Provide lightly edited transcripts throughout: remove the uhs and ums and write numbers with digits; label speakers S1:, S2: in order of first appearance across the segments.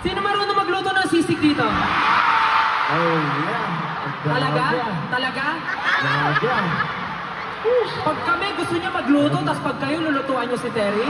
S1: Sino marunong magluto ng sisig dito?
S2: Oh, yeah.
S1: Talaga? Talaga?
S2: Talaga.
S1: Pag kami gusto niya magluto, tapos pag kayo lulutuan niyo si Terry,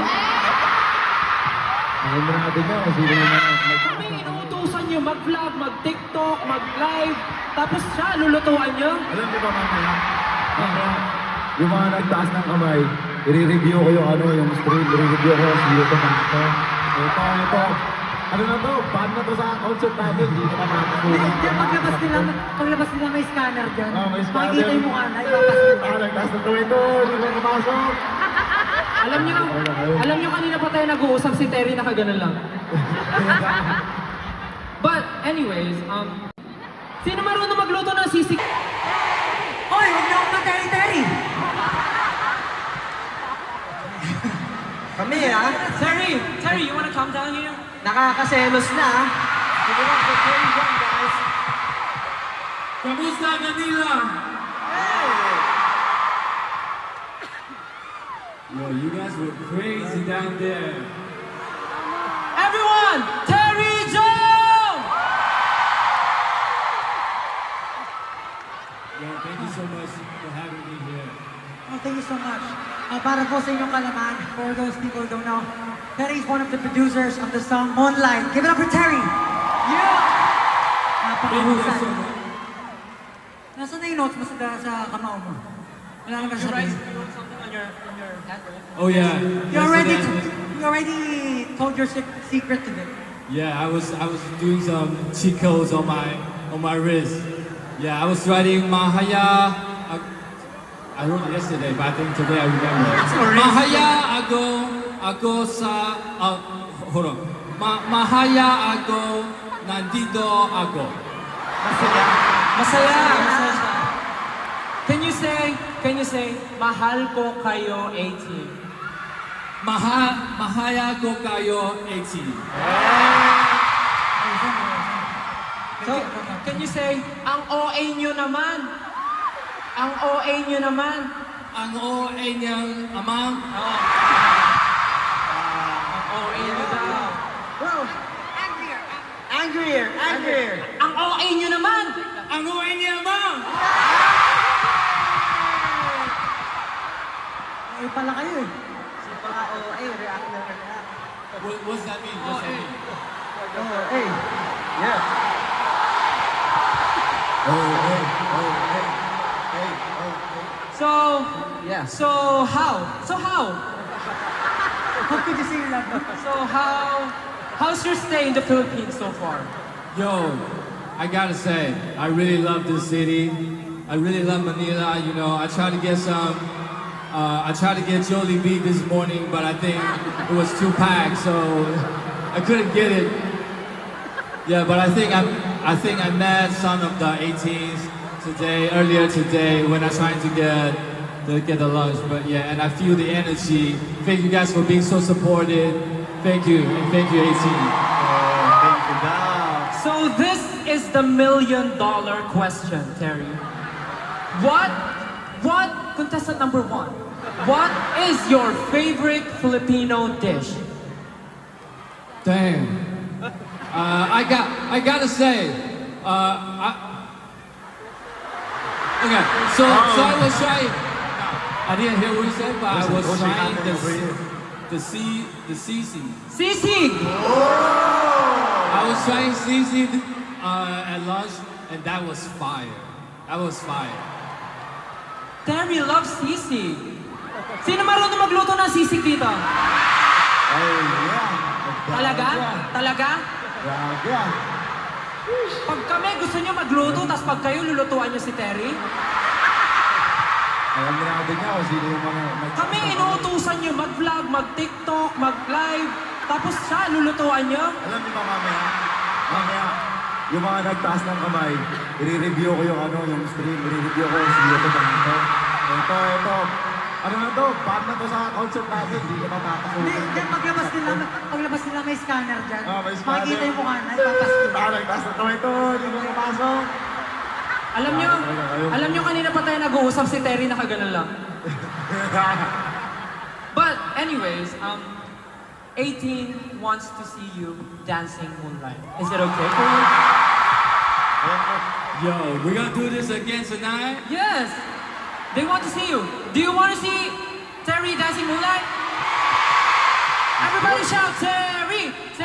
S2: Alam mo natin nyo kung sino naman
S1: kami inuutusan niyo mag-vlog, mag-tiktok, mag-live, tapos siya lulutuan niyo.
S2: Alam mo ba mamaya? Mamaya, yung mga nagtaas ng kamay, i-review ko yung yung stream, i-review ko yung YouTube ng ito. Ito. Ano na to? Ban na to sa concert natin. Hindi na makakasunan.
S3: Paglabas nila may scanner dyan.
S2: May scanner.
S3: Makikita yung mukha na, ipapas nila.
S2: Nagtaas ng kamay ito. Hindi ko nakapasok.
S1: Alam niyo kanina pa tayo nag-uusap si Terry nakaganon lang. But anyways, sino marunong magluto ng sisig?
S3: Hoy, huwag na akong materi-teri! Kami ah.
S1: Terry, you wanna come down here?
S3: Nakakaselos na ah.
S4: Kamusta Manila? Yo, you guys were crazy down there.
S1: Everyone, Terry Joe!
S4: Yo, thank you so much for having me here.
S3: Oh, thank you so much. Para po sa inyong kalaman, for those people who don't know, Terry is one of the producers of the song Moonlight. Give it up for Terry! Yeah!
S4: Thank you guys so
S3: Napakahusay.
S4: much.
S3: Nasaan na yung notes mo sa kamao mo? Wala naman sa sabihin.
S1: Something on your hand, right?
S4: Oh yeah.
S3: You already,
S4: Yesterday-
S3: you already told your secret today.
S4: Yeah, I was doing some cheat codes on my wrist. Yeah, I was writing Mahaya. I wrote it yesterday, but I think today I remember. Mahaya ako sa hold on. Mahaya ako nandito ako.
S1: Masaya siya. Can you say, mahal ko kayo 18?
S4: Mahaya ko kayo 18.
S1: So, can you say, ang OA nyo naman? Ang OA nyo naman?
S4: Ang OA niyang amang.
S1: Ang OA nyo daw.
S3: Angrier!
S1: Ang OA nyo naman?
S4: Ang OA niya amang.
S3: Ay pala kayo eh.
S4: What's that mean? What's that mean?
S1: So how?
S3: How could you say you love me?
S1: How's your stay in the Philippines so far?
S4: Yo, I gotta say, I really love this city. I really love Manila. You know, I tried to get Jollibee this morning, but I think it was too packed, so I couldn't get it. Yeah, but I think I met some of the 18s earlier today when I tried to get the lunch. But yeah, and I feel the energy. Thank you guys for being so supportive. Thank you, and thank you 18.
S2: Thank you daw.
S1: So this is the $1 million question, Terry. What, contestant number 1, what is your favorite Filipino dish?
S4: Damn. I gotta say, okay. So I was trying. I didn't hear what you said, but I was trying the sisig.
S1: Sisig!
S4: I was trying sisig at lunch, and that was fire. That was fire.
S1: Terry loves sisig. Sino marunong magluto ng sisig dito?
S2: Oh, yeah.
S1: Talaga? Talaga?
S2: Talaga.
S1: Pag kami gusto niyo magluto, tapos pag kayo lulutuan niyo si Terry,
S2: Alam mo natin nyo kung sino yung mga
S1: kami inuutusan niyo mag-vlog, mag-tiktok, mag-live, tapos siya lulutuan niyo.
S2: Alam niyo ba mamaya, yung mga nagtaas ng kamay, i-review ko yung yung stream, i-review ko yung YouTube ng ito. Ito. Ano na to? Ban na to sa concert natin, hindi ka makakasunan.
S3: Hindi, dyan paglabas nila may scanner dyan.
S2: May scanner.
S3: Makikita yung mukha na, ipapas nila.
S2: Nagtaas ng kamay ito, hindi ko nakapasok.
S1: Alam niyo kanina pa tayo nag-uusap si Terry nakaganon lang. But anyways, 18 wants to see you dancing Moonlight. Is it okay for you?
S4: Yo, we're gonna do this again tonight?
S1: Yes. They want to see you. Do you want to see Terry dancing Moonlight? Everybody shout Terry!